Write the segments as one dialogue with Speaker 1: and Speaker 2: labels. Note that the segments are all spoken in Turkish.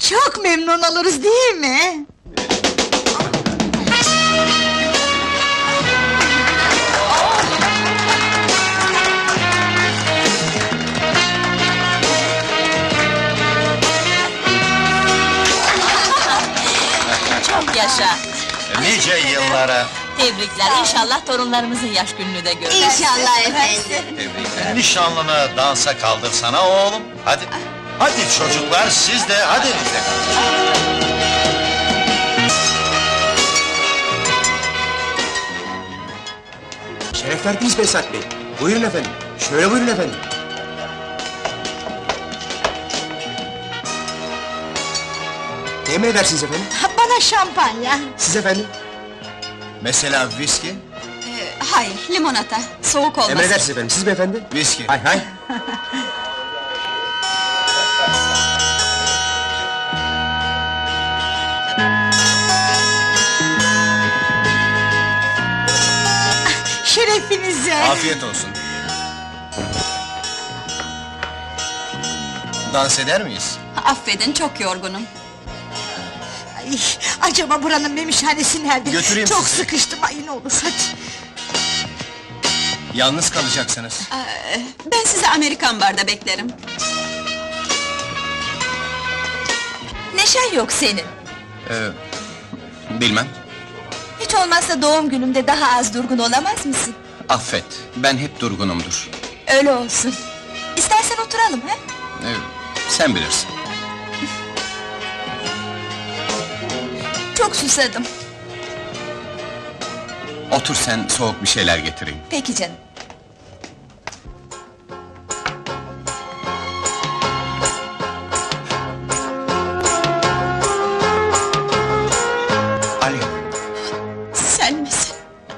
Speaker 1: Çok memnun oluruz değil mi?
Speaker 2: Çok yaşa!
Speaker 3: Nice yıllara.
Speaker 2: Tebrikler, inşallah torunlarımızın yaş gününü de görürüz.
Speaker 1: İnşallah efendim.
Speaker 3: Tebrikler. Nişanlını dansa kaldırsana oğlum, hadi. Hadi çocuklar, siz de, hadi.
Speaker 4: Şeref verdiniz Behzat Bey. Buyurun efendim. Şöyle buyurun efendim. Ne emredersiniz efendim?
Speaker 1: Bana şampanya.
Speaker 4: Siz efendim?
Speaker 3: Mesela viski?
Speaker 2: Hayır, limonata, soğuk olmasın.
Speaker 4: Emredersiniz efendim. Siz beyefendi?
Speaker 3: Viski.
Speaker 4: Hay hay.
Speaker 1: Şerefinize.
Speaker 3: Afiyet olsun. Dans eder miyiz?
Speaker 2: Affedin, çok yorgunum.
Speaker 1: Ay, acaba buranın memişhanesi nerede?
Speaker 3: Götüreyim
Speaker 1: Çok
Speaker 3: sizi.
Speaker 1: sıkıştım, ay ne olur hadi.
Speaker 3: Yalnız kalacaksınız.
Speaker 2: Ben sizi Amerikan barda beklerim. Neşen yok senin.
Speaker 5: Bilmem,
Speaker 2: Hiç olmazsa doğum günümde daha az durgun olamaz mısın?
Speaker 5: affet, ben hep durgunumdur.
Speaker 2: Öyle olsun. İstersen oturalım, he?
Speaker 5: Sen bilirsin.
Speaker 2: Çok susadım.
Speaker 5: Otur sen, soğuk bir şeyler getireyim.
Speaker 2: Peki canım.
Speaker 5: Ali,
Speaker 2: Sen misin?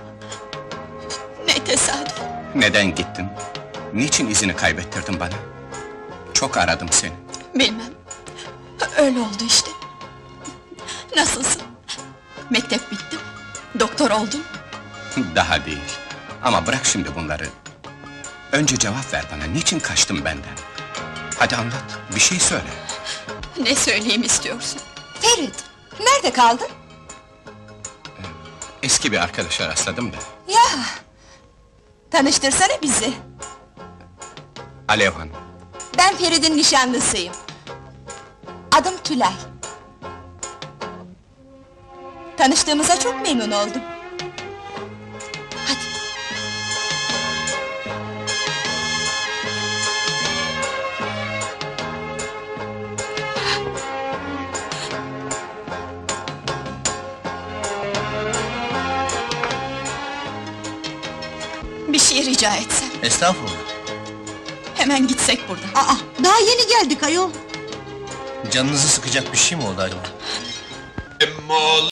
Speaker 2: Ne tesadüf.
Speaker 5: neden gittin? Niçin izini kaybettirdin bana? Çok aradım seni.
Speaker 2: Bilmem. Öyle oldu işte. Nasılsın? Mektep bitti. Doktor oldun.
Speaker 5: Daha değil. Ama bırak şimdi bunları. Önce cevap ver bana, niçin kaçtın benden? Hadi anlat, bir şey söyle.
Speaker 2: Ne söyleyeyim istiyorsun?
Speaker 1: Ferit, nerede kaldın?
Speaker 5: Eski bir arkadaşa rastladım da.
Speaker 2: Ya! Tanıştırsana bizi.
Speaker 5: Alev Hanım,
Speaker 2: Ben Ferit'in nişanlısıyım. Adım Tülay. Tanıştığımıza çok memnun oldum. Hadi. Bir şey rica etsem,
Speaker 3: Estağfurullah.
Speaker 2: hemen gitsek buradan.
Speaker 1: Aa, daha yeni geldik ayol.
Speaker 3: Canınızı sıkacak bir şey mi oldu acaba?